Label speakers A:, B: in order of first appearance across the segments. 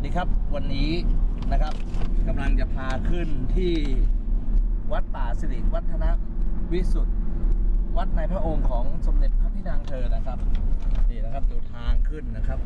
A: ดีครับวันนี้นะครับกำลังจะพาขึ้นที่วัดป่าสิริวัฒนวิสุทธิ์วัดในพระองค์ของสมเด็จพระพี่นางเธอนะครับนี่นะครับดูทางขึ้นนะครับ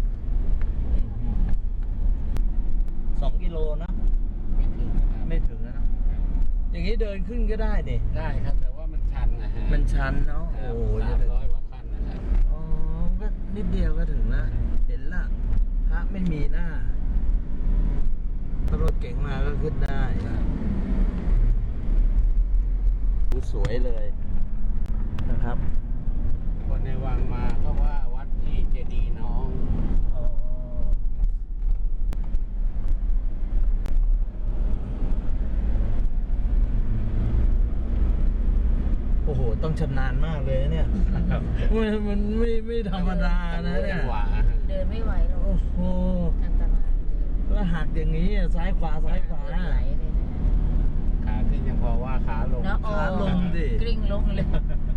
A: 2 กิโลนะไม่ถึงนะอย่างนี้เดินขึ้นก็ได้ดิ
B: ได้ครับแต่ว่ามันชันนะฮะ
A: มันชันเนาะโอ้โห
B: 300 กว่าขั้นนะครับ
A: อ๋อก็นิดเดียวก็ถึงแล้วเห็นละพระไม่มีหน้ารถเก๋งมาก็ขึ้นได้ดูสวยเลยนะครับ
B: คนในวังมาเขาว่าวัดที่เจดีย์น้อง
A: โอ้โหต้องชำนาญมากเลยเนี่ยมันไม่ธรรมดานะเนี่ย
C: เดินไม่ไหวหรอก
A: โอ้โห
C: อันตราย
A: แล้วหักอย่างนี้ซ้ายขวาซ้ายขวา
C: ไหลเลยนะ
B: ขาขึ้นยังพอว่าขาลง
C: ขาลงดิ
A: ก
C: ลิ้งลงเลย